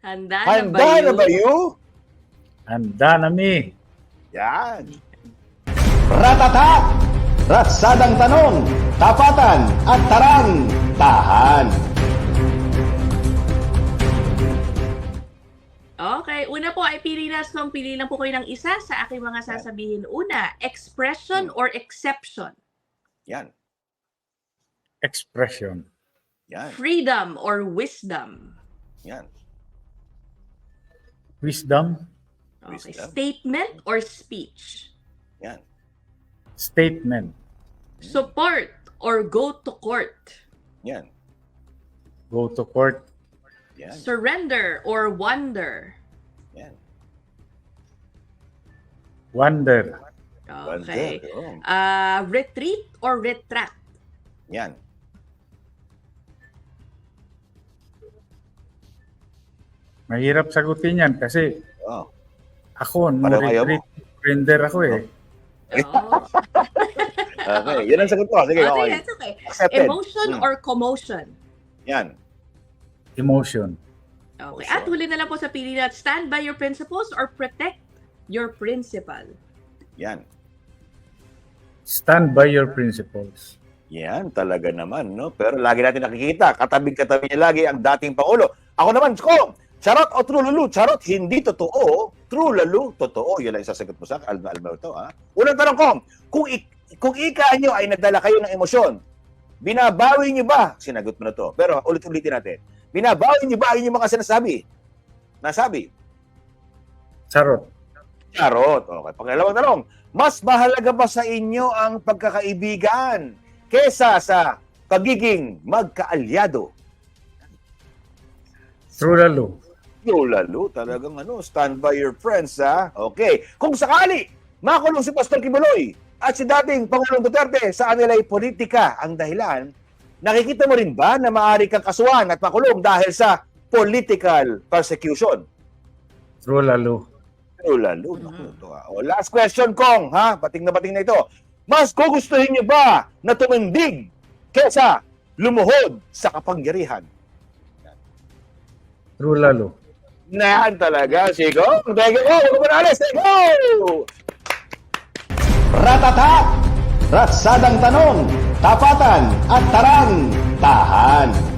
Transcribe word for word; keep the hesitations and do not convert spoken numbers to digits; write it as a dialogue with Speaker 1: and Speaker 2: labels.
Speaker 1: Handa na ba
Speaker 2: Handa na
Speaker 1: you?
Speaker 2: ba you?
Speaker 3: Handa na mi.
Speaker 2: Yan.
Speaker 4: Ratata! Ratsadang tanong, tapatan at tarang, tahan.
Speaker 1: Okay, una po ay pili na so pili lang po kayo ng isa sa aking mga sasabihin. Una, expression or exception?
Speaker 2: Yan.
Speaker 3: Expression.
Speaker 2: Yan.
Speaker 1: Freedom or wisdom?
Speaker 2: Yan.
Speaker 3: Wisdom.
Speaker 1: Okay,
Speaker 2: Wisdom.
Speaker 1: statement or speech?
Speaker 2: Yan.
Speaker 3: Statement.
Speaker 1: Support or go to court?
Speaker 2: Yan.
Speaker 3: Go to court.
Speaker 2: Yan.
Speaker 1: Surrender or wonder?
Speaker 2: Yan.
Speaker 3: Wonder.
Speaker 1: Okay.
Speaker 2: Wonder. Oh.
Speaker 1: Uh, retreat or retract?
Speaker 2: Yan.
Speaker 3: Mahirap sagutin yan kasi
Speaker 2: Oh.
Speaker 3: ako, no
Speaker 2: Pareho kayo mo.
Speaker 3: retreat, surrender ako eh.
Speaker 1: Oh.
Speaker 2: Okay. Yan ang sagot ko. Sige,
Speaker 1: Oh,
Speaker 2: okay.
Speaker 1: sige, it's okay.
Speaker 2: Accepted.
Speaker 1: Emotion
Speaker 2: Hmm.
Speaker 1: or commotion?
Speaker 2: Yan.
Speaker 3: Emotion.
Speaker 1: Okay.
Speaker 2: Emotion.
Speaker 1: At huli na lang po sa pili na, stand by your principles or protect your principal?
Speaker 2: Yan.
Speaker 3: Stand by your principles.
Speaker 2: Yan, talaga naman, no? Pero lagi natin nakikita, katabing-katabi niya lagi ang dating Pangulo. Ako naman, ko, charot o true lulu? Charot, hindi totoo. True lulu, totoo. Yan lang isasagot mo sa akin, Alma Alberto, ha? Unang tanong ko, kung, ik kung ika nyo ay nagdala kayo ng emosyon, binabawi nyo ba? Sinagot mo na to. Pero ulit-ulitin natin. Binabawi nyo ba ang inyong mga sinasabi? Nasabi?
Speaker 3: Charot.
Speaker 2: Charot. Okay. Pangalawang tanong, mas mahalaga ba sa inyo ang pagkakaibigan kesa sa pagiging magkaalyado?
Speaker 3: True lalo.
Speaker 2: Yo, lalo, talagang ano, stand by your friends, ha? Okay. Kung sakali, makulong si Pastor Kibuloy at si dating Pangulong Duterte sa anilay politika ang dahilan, nakikita mo rin ba na maaari kang kasuhan at makulong dahil sa political persecution?
Speaker 3: True lalo.
Speaker 2: Pero lalo, naku, ito, ha? O, last question, Kong, ha? Bating na bating na ito. Mas gugustuhin niyo ba na tumindig kesa lumuhod sa kapangyarihan?
Speaker 3: True lalo.
Speaker 2: Na yan talaga, Sigo. Thank you. Oh, huwag mo na alis. Thank you.
Speaker 4: Ratata! Ratsadang tanong, tapatan at tarang, tahan.